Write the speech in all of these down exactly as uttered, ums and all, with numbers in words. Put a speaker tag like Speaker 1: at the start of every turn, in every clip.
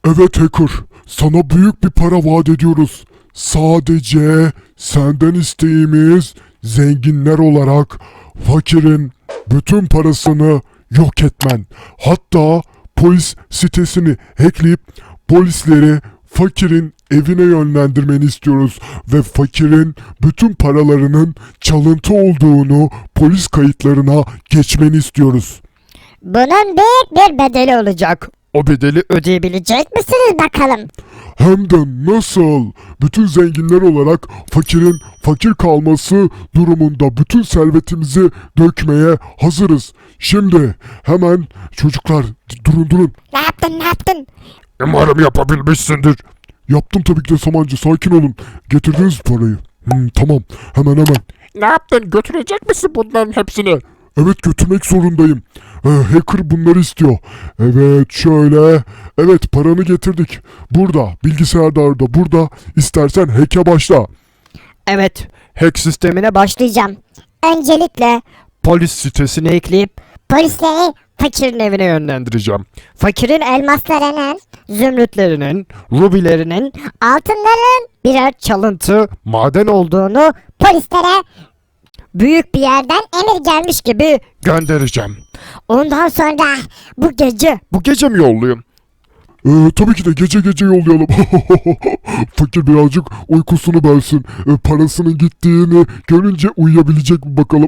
Speaker 1: Evet hacker, sana büyük bir para vaat ediyoruz. Sadece senden isteğimiz zenginler olarak fakirin bütün parasını yok etmen. Hatta polis sitesini hackleyip polisleri fakirin evine yönlendirmeni istiyoruz ve fakirin bütün paralarının çalıntı olduğunu polis kayıtlarına geçmeni istiyoruz.
Speaker 2: Bunun büyük bir bedeli olacak. O bedeli ödeyebilecek misiniz bakalım?
Speaker 1: Hem de nasıl? Bütün zenginler olarak fakirin fakir kalması durumunda bütün servetimizi dökmeye hazırız. Şimdi hemen çocuklar durun durun.
Speaker 2: Ne yaptın ne yaptın?
Speaker 1: Umarım yapabilmişsindir. Yaptım tabii ki de Samancı, sakin olun. Getirdiniz parayı. Hmm, tamam hemen hemen.
Speaker 3: Ne yaptın? Götürecek misin bunların hepsini?
Speaker 1: Evet götürmek zorundayım. Ee, hacker bunları istiyor. Evet şöyle. Evet paranı getirdik. Burada bilgisayarda orada burada. İstersen hack'e başla.
Speaker 2: Evet, hack sistemine başlayacağım. Öncelikle polis sitesini ekleyip polisleri fakirin evine yönlendireceğim. Fakirin elmaslarının, zümrütlerinin, rubilerinin, altınların birer çalıntı maden olduğunu polislere büyük bir yerden emir gelmiş gibi göndereceğim. Ondan sonra bu gece, bu gece mi yollayayım?
Speaker 1: Ee, tabii ki de gece gece yollayalım. Fakir birazcık uykusunu bölsün. Ee, parasının gittiğini görünce uyuyabilecek mi bakalım.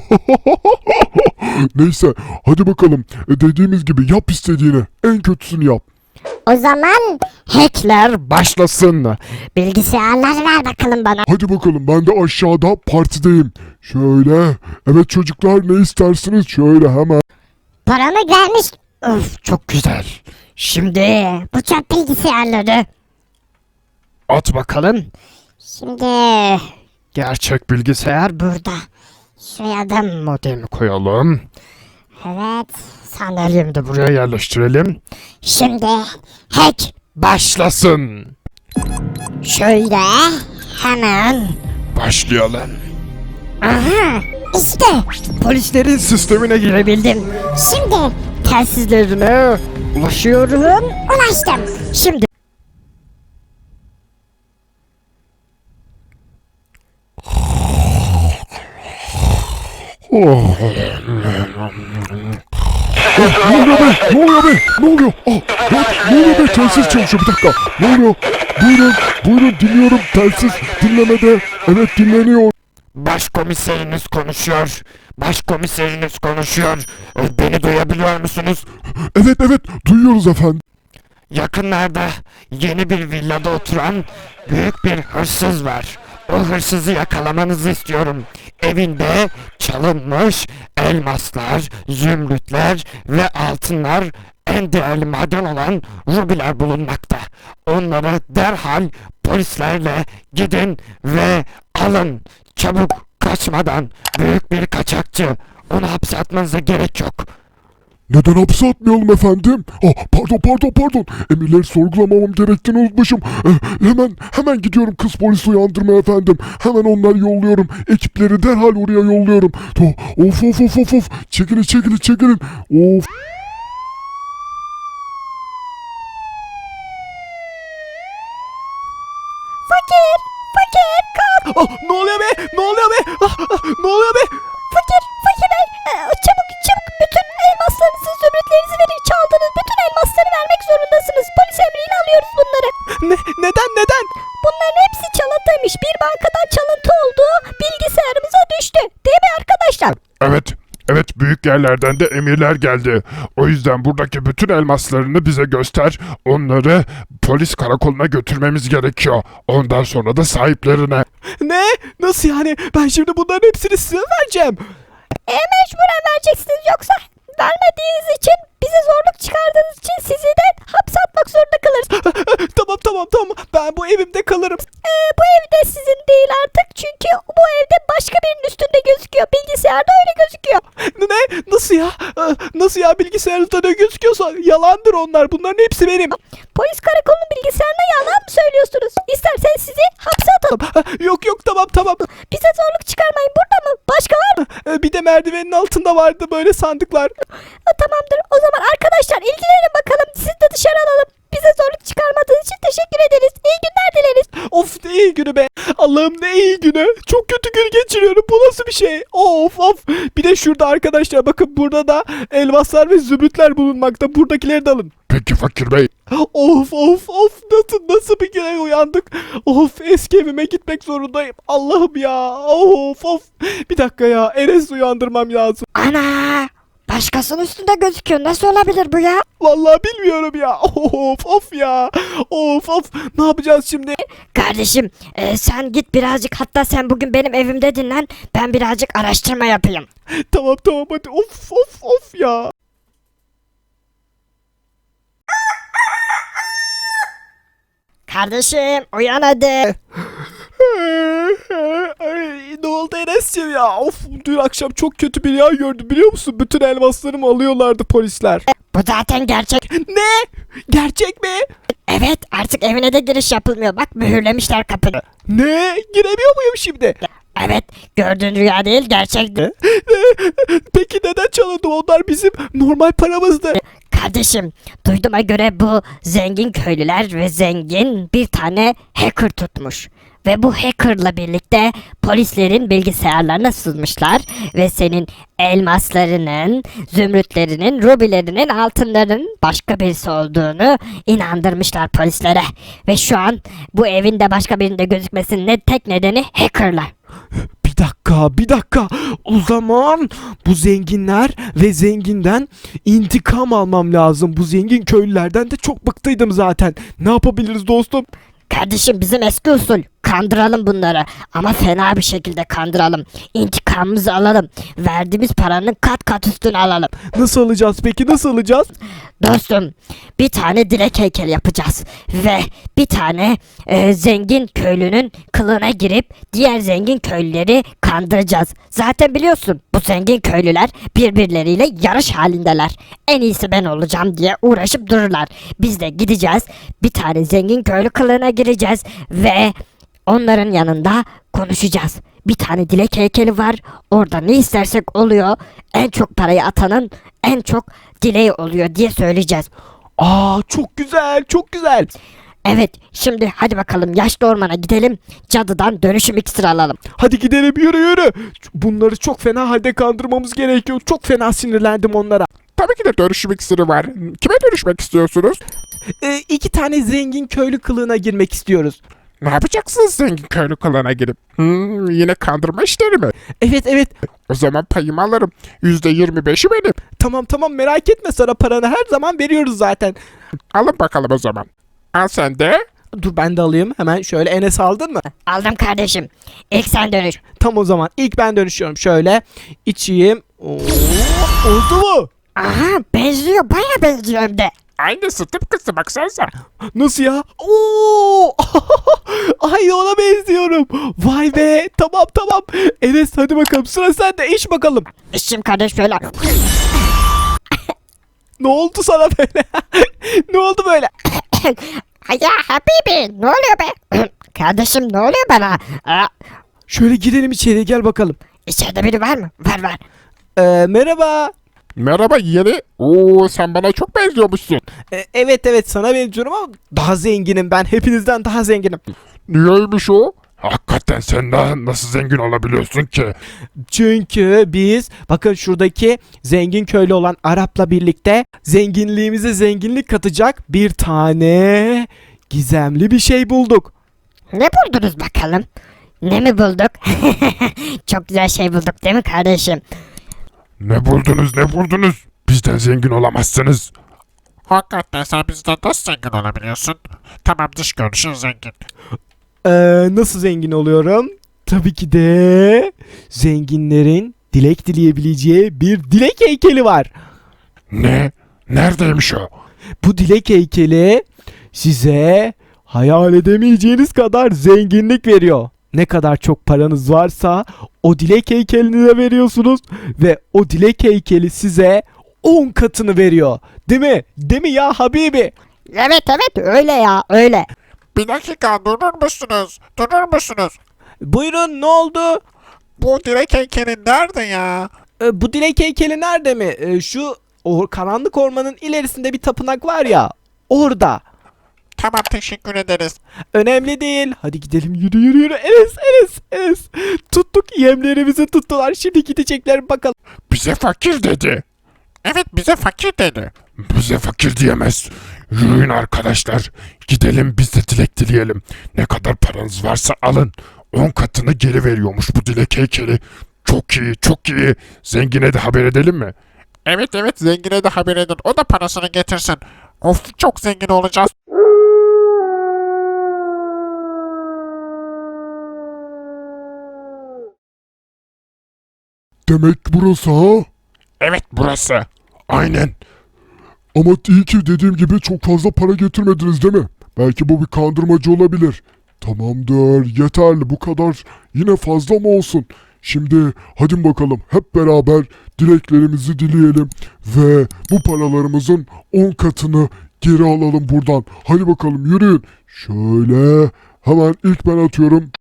Speaker 1: Neyse hadi bakalım. Ee, dediğimiz gibi yap istediğini. En kötüsünü yap.
Speaker 2: O zaman hackler başlasın. Bilgisayarlar ver bakalım bana.
Speaker 1: Hadi bakalım ben de aşağıda partideyim. Şöyle. Evet çocuklar ne istersiniz? Şöyle hemen.
Speaker 2: Paramı gelmiş. Öf çok güzel. Şimdi bu çöp bilgisayarları. At bakalım. Şimdi gerçek bilgisayar burada. Şuraya da modemi koyalım. Evet. Sandalyemi de buraya yerleştirelim. Şimdi hack başlasın. Şöyle hemen başlayalım. Aha işte polislerin sistemine girebildim. Şimdi telsizlerine ulaşıyorum. Ulaştım. Şimdi
Speaker 1: Oh. Ne oluyor be? Ne oluyor be? Ne oluyor? Oh, ne, ne oluyor be? Telsiz çalışıyor. Bir dakika. Ne oluyor? Buyurun. Buyurun dinliyorum. Telsiz dinlemede. Evet dinleniyor.
Speaker 3: Başkomiseriniz konuşuyor. Başkomiseriniz konuşuyor. E, Beni duyabiliyor musunuz?
Speaker 1: Evet evet. Duyuyoruz efendim.
Speaker 3: Yakınlarda yeni bir villada oturan büyük bir hırsız var. O hırsızı yakalamanızı istiyorum. Evinde çalınmış elmaslar, zümrütler ve altınlar, en değerli maden olan rubiler bulunmakta. Onları derhal polislerle gidin ve alın. Çabuk, kaçmadan. Büyük bir kaçakçı. Onu hapse atmanıza gerek yok.
Speaker 1: Neden hapse atmayalım efendim? Ah, pardon pardon pardon. Emirleri sorgulamamam gerektiğini unutmuşum. Eh, hemen hemen gidiyorum kız polisi uyandırmaya efendim. Hemen onları yolluyorum. Ekipleri derhal oraya yolluyorum. Oh, of of of of of. Çekilin çekilin çekilin. Of.
Speaker 2: fakir, fakir kalk.
Speaker 4: Ah, ne oluyor be? Ne oluyor be? Ah, ah, ne oluyor be?
Speaker 2: Fakir, fakir bey, e, çabuk çabuk bütün elmaslarınızı, zümrütlerinizi verin. Çaldığınız bütün elmasları vermek zorundasınız. Polis emriyle alıyoruz bunları.
Speaker 4: Ne, neden neden?
Speaker 2: Bunların hepsi çalıntıymış. Bir bankadan çalıntı olduğu bilgisayarımıza düştü. Değil mi arkadaşlar?
Speaker 1: Evet. Evet büyük yerlerden de emirler geldi. O yüzden buradaki bütün elmaslarını bize göster. Onları polis karakoluna götürmemiz gerekiyor. Ondan sonra da sahiplerine.
Speaker 4: Ne? Nasıl yani? Ben şimdi bunların hepsini size mi vereceğim?
Speaker 2: E mecburen vereceksiniz, yoksa vermediğiniz için, bize zorluk çıkardığınız için sizi de hapse atmak zorunda kalırız.
Speaker 4: Tamam tamam tamam. Ben bu evimde kalırım.
Speaker 2: E, bu ev de sizin değil artık, çünkü bu evde başka birinin üstünde gözüküyor. Bilgisayarda öyle gözüküyor.
Speaker 4: Ne? Nasıl ya? Ah, Nasıl ya? Bilgisayarınızda ne gözüküyorsa yalandır onlar. Bunların hepsi benim.
Speaker 2: Polis karakolunun bilgisayarına yalan mı söylüyorsunuz? İsterseniz sizi hapse atalım.
Speaker 4: Ah, Yok yok tamam tamam.
Speaker 2: Bize zorluk çıkarmayın. Burada mı? Başka var mı?
Speaker 4: Eh, Bir de merdivenin altında vardı böyle sandıklar.
Speaker 2: Ha, tamamdır. O zaman arkadaşlar ilgilenin bakalım. Sizi de dışarı alalım. Bize zorluk çıkarmadığın için teşekkür ederiz. İyi günler dileriz.
Speaker 4: Of ne iyi günü be. Allah'ım ne iyi günü. Çok kötü gün geçiriyorum. Bu nasıl bir şey? Of of. Bir de şurada arkadaşlar bakın burada da elmaslar ve zümrütler bulunmakta. Buradakileri de alın.
Speaker 1: Peki fakir bey.
Speaker 4: Of of of nasıl nasıl bir güne uyandık. Of eski evime gitmek zorundayım. Allah'ım ya. Of of. Bir dakika ya. Enes uyandırmam lazım.
Speaker 2: Ana! Başkasının üstünde gözüküyor. Nasıl olabilir bu ya?
Speaker 4: Vallahi bilmiyorum ya. Of of ya. Of of. Ne yapacağız şimdi?
Speaker 2: Kardeşim e, sen git birazcık, hatta sen bugün benim evimde dinlen. Ben birazcık araştırma yapayım.
Speaker 4: Tamam tamam hadi. Of of of ya.
Speaker 2: Kardeşim uyan hadi.
Speaker 4: Ay, ne oldu Enes'ciğim ya? Of dün akşam çok kötü bir rüya gördüm biliyor musun? Bütün elmaslarımı alıyorlardı polisler.
Speaker 2: Bu zaten gerçek.
Speaker 4: Ne? Gerçek mi?
Speaker 2: Evet, artık evine de giriş yapılmıyor. Bak, mühürlemişler kapıyı.
Speaker 4: Ne? Giremiyor muyum şimdi?
Speaker 2: Evet, gördüğün rüya değil, gerçekti.
Speaker 4: Peki neden çalındı? Onlar bizim normal paramızdı.
Speaker 2: Kardeşim, duyduğuma göre bu zengin köylüler ve zengin bir tane hacker tutmuş. Ve bu hackerla birlikte polislerin bilgisayarlarına sızmışlar ve senin elmaslarının, zümrütlerinin, rubilerinin, altınların başka birisi olduğunu inandırmışlar polislere. Ve şu an bu evin de başka birinde gözükmesinin ne tek nedeni hackerlar.
Speaker 4: Bir dakika, bir dakika. O zaman bu zenginler ve zenginden intikam almam lazım. Bu zengin köylülerden de çok bıktıydım zaten. Ne yapabiliriz dostum?
Speaker 2: Kardeşim, bizim eski usul kandıralım bunları, ama fena bir şekilde kandıralım. İntikamımızı alalım. Verdiğimiz paranın kat kat üstünü alalım.
Speaker 4: Nasıl alacağız peki? Nasıl alacağız?
Speaker 2: Dostum, bir tane dilek heykeli yapacağız ve bir tane e, zengin köylünün kılığına girip diğer zengin köylüleri kandıracağız. Zaten biliyorsun, bu zengin köylüler birbirleriyle yarış halindeler. En iyisi ben olacağım diye uğraşıp dururlar. Biz de gideceğiz, bir tane zengin köylü kılığına gireceğiz ve onların yanında konuşacağız. Bir tane dilek heykeli var. Orada ne istersek oluyor. En çok parayı atanın en çok dileği oluyor diye söyleyeceğiz.
Speaker 4: Aa çok güzel, çok güzel.
Speaker 2: Evet, şimdi hadi bakalım yaşlı ormana gidelim. Cadıdan dönüşüm iksiri alalım.
Speaker 4: Hadi gidelim yürü yürü. Bunları çok fena halde kandırmamız gerekiyor. Çok fena sinirlendim onlara.
Speaker 1: Tabii ki de dönüşüm iksiri var. Kime dönüşmek istiyorsunuz?
Speaker 4: Ee, iki tane zengin köylü kılığına girmek istiyoruz.
Speaker 1: Ne yapacaksınız zengin köylü kılığına girip? Hmm, yine kandırma işleri mi?
Speaker 4: Evet evet.
Speaker 1: O zaman payımı alırım. Yüzde yirmi beşi benim.
Speaker 4: Tamam tamam merak etme, sana paranı her zaman veriyoruz zaten.
Speaker 1: Alın bakalım o zaman. Al sen de.
Speaker 4: Dur ben de alayım. Hemen şöyle, Enes aldın mı?
Speaker 2: Aldım kardeşim. İlk sen dönüş.
Speaker 4: Tam o zaman ilk ben dönüşüyorum. Şöyle içeyim. Oo, oldu mu?
Speaker 2: Aha, benziyor, baya benziyor hem de.
Speaker 1: Aynısı tıpkısı baksanıza.
Speaker 4: Nasıl ya? Oo! Ay ona benziyorum. Vay be. Tamam tamam. Enes hadi bakalım, sıra sende, iç bakalım.
Speaker 2: İşim kardeş böyle.
Speaker 4: Ne oldu sana böyle? Ne oldu böyle?
Speaker 2: Ya Habibi, ne oluyor be? Kardeşim, ne oluyor bana? Aa,
Speaker 4: Şöyle girelim içeriye, gel bakalım.
Speaker 2: içeride biri var mı? Var var.
Speaker 4: Ee, merhaba.
Speaker 1: Merhaba yeğeni. Oo, sen bana çok benziyormuşsun.
Speaker 4: Ee, evet evet sana benziyorum ama daha zenginim ben. Hepinizden daha zenginim.
Speaker 1: Niyeymiş o? Hakikaten sen daha nasıl zengin olabiliyorsun ki?
Speaker 4: Çünkü biz bakın şuradaki zengin köylü olan Arap'la birlikte zenginliğimize zenginlik katacak bir tane gizemli bir şey bulduk.
Speaker 2: Ne buldunuz bakalım? Ne mi bulduk? Çok güzel şey bulduk değil mi kardeşim?
Speaker 1: Ne buldunuz ne buldunuz? Bizden zengin olamazsınız.
Speaker 3: Hakikaten sen bizden nasıl zengin olabiliyorsun? Tamam, dış görünüşün zengin.
Speaker 4: Ee, nasıl zengin oluyorum? Tabii ki de zenginlerin dilek dileyebileceği bir dilek heykeli var.
Speaker 1: Ne? Neredeymiş o?
Speaker 4: Bu dilek heykeli size hayal edemeyeceğiniz kadar zenginlik veriyor. Ne kadar çok paranız varsa o dilek heykelini de veriyorsunuz ve o dilek heykeli size on katını veriyor. Değil mi? Değil mi ya Habibi?
Speaker 2: Evet evet, öyle ya, öyle.
Speaker 3: Bir dakika, durur musunuz? Durur musunuz?
Speaker 4: Buyurun, ne oldu?
Speaker 3: Bu direk heykeli nerede ya?
Speaker 4: Ee, bu dilek heykeli nerede mi? Ee, şu o karanlık ormanın ilerisinde bir tapınak var ya. Orada.
Speaker 3: Tamam, teşekkür ederiz.
Speaker 4: Önemli değil. Hadi gidelim, yürü yürü yürü. Enes Enes Enes. Tuttuk, yemlerimizi tuttular. Şimdi gidecekler bakalım.
Speaker 1: Bize fakir dedi.
Speaker 3: Evet, bize fakir dedi.
Speaker 1: Bize fakir diyemez. Yürüyün arkadaşlar. Gidelim biz de dilek dileyelim. Ne kadar paranız varsa alın. On katını geri veriyormuş bu dilek heykeli. Çok iyi, çok iyi. Zengine de haber edelim mi?
Speaker 3: Evet evet, zengine de haber edin. O da parasını getirsin. Of, çok zengin olacağız.
Speaker 1: Demek burası ha?
Speaker 3: Evet, burası.
Speaker 1: Aynen. Ama iyi ki dediğim gibi çok fazla para getirmediniz değil mi? Belki bu bir kandırmacı olabilir. Tamamdır, yeterli bu kadar. Yine fazla mı olsun? Şimdi hadi bakalım hep beraber dileklerimizi dileyelim ve bu paralarımızın on katını geri alalım buradan. Hadi bakalım yürüyün. Şöyle hemen ilk ben atıyorum.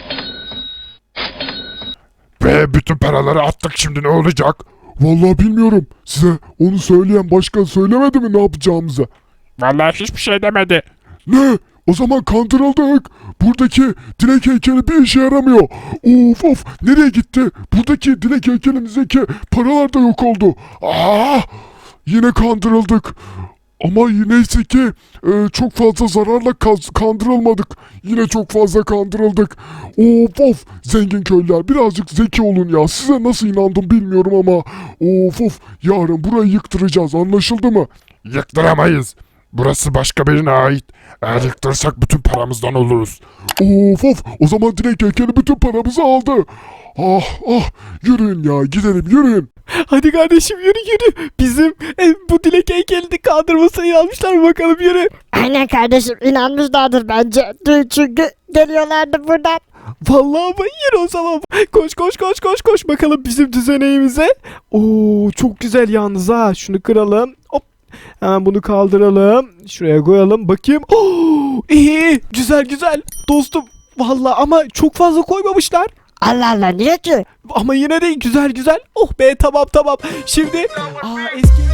Speaker 1: Ve bütün paraları attık, şimdi ne olacak? Vallahi bilmiyorum. Size onu söyleyen başkan söylemedi mi ne yapacağımızı?
Speaker 3: Vallahi hiçbir şey demedi.
Speaker 1: Ne? O zaman kandırıldık. Buradaki dilek heykeli bir işe yaramıyor. Of of, nereye gitti? Buradaki dilek heykelimizdeki paralar da yok oldu. Aa, yine kandırıldık. Ama neyse ki e, çok fazla zararla kaz- kandırılmadık. Yine çok fazla kandırıldık. Of of, zengin köylüler birazcık zeki olun ya. Size nasıl inandım bilmiyorum ama of of, yarın burayı yıktıracağız, anlaşıldı mı? Yıktıramayız. Burası başka birine ait. Eğer yıktırırsak bütün paramızdan oluruz. Of of, o zaman dilek heykeli bütün paramızı aldı. Ah ah, yürüyün ya, gidelim yürüyün.
Speaker 4: Hadi kardeşim, yürü yürü. Bizim e, bu dilek heykelini kandırmasına inanmışlar, bakalım yürü.
Speaker 2: Aynen kardeşim, inanmışlardır bence. Dün çünkü geliyorlardı buradan.
Speaker 4: Vallahi ama yürü o zaman. Koş koş koş koş koş bakalım bizim düzeneğimize. Oo, çok güzel yalnız ha. Şunu kıralım. Hop. Hemen bunu kaldıralım. Şuraya koyalım. Bakayım. Oo, iyi. Güzel güzel. Dostum. Vallahi ama çok fazla koymamışlar.
Speaker 2: Allah Allah, niye ki?
Speaker 4: Ama yine de güzel güzel. Oh be, tamam tamam. Şimdi aa, eski